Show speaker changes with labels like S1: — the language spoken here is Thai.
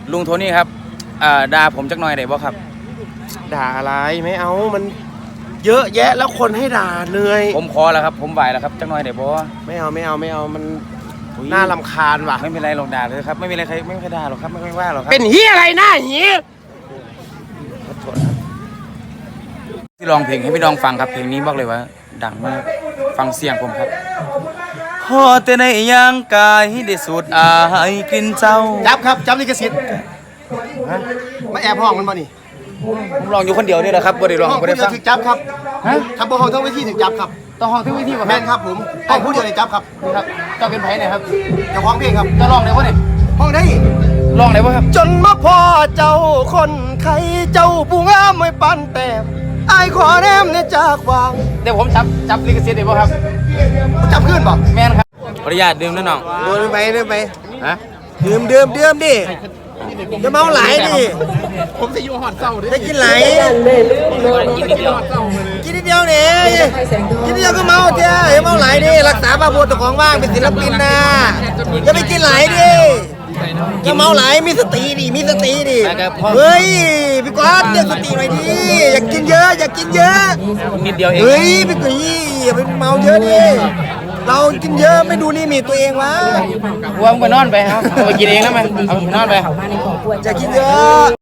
S1: ลุงโทนี่ครับด่าผมจักหน่อยได้บ่ครับ
S2: ด่าอะไรไม่เอามันเยอะแยะแล้วคนให้ด่าเหนื่อย
S1: ผมขอแล้วครับผมไหวแล้วครับจักหน่อยได้บ่
S2: ไม่เอามันน่ารำคาญว่ะ
S1: ไม่เป็นไรหรอกด่าเลยครับไม่มีอะไรใครไม่เคยด่าหรอกครับไม่ว่าหรอกครับ
S2: เป็นเฮียอะไรหน้าเฮีย
S1: ขอโทษครับที่ร้องเพลงให้พี่น้องฟังครับเพลงนี้บอกเลยว่าดังมากฟังเสียงผมครับพอแต่ในย่างกายได้สูดอายกลิ่นเจ้า
S2: จับครับจับลิขสิทธิ์มาแอบห้องมันมานี่
S1: ผมร้องอยู่คนเดียวนี่แหละครับบ่ได้ร้องบ่ได้ฟัง
S2: ถึกจับครับทำบอลห้องทั้งวิธีถึกจับครับ
S1: ต้องห้องทั้งวิธี
S2: แม่นครับผมห้องผู้เดียวเลยจับครับ
S1: ครับเจ้าเป็นไผเนี่ยครับ
S2: เจ้าของเพลงครับ
S1: จะร้องได้บ่เนี่ย
S2: ห้องได้
S1: ร้องได้บ่ครับ
S2: จนมาพ่อเจ้าคนไข้เจ้าผู้งามไม่ปันแต้มไอ้ขอแนมเนี่ยจากวาง
S1: เดี๋ยวผมจับลิขสิทธิ์ได้บ่ครับ
S2: จับขึ้นบ่
S1: แม่นครับขออนุญาตดื่มนะน้อง
S2: เดินไป
S1: ฮะ
S2: ดื่มดิจะเมาไหลดิผมจะอยู่หอดเศร้าดิจะกินไหลกินนิดเดียวเนี่ยกินนิดเดียวก็เมาเจ้าอย่าเมาไหลดิรักษาบาปตัวของว่างเป็นศิลปินนะจะไปกินไหลดิจะเมาไหลมีสติดิเฮ้ยพี่ก๊อตเรียกสติหน่อยดิอยากกินเยอะ
S1: นิดเดียวเอง
S2: เฮ้ยพี่กุ้ยอย่าไปเมาเยอะดิเรากินเยอะไม่ดูลิมิตตัวเองวะ
S1: วางไปนอนไปครับเอาไปกินเองแล้วมั้ยเอาไปนอนไป
S2: จะกินเยอะ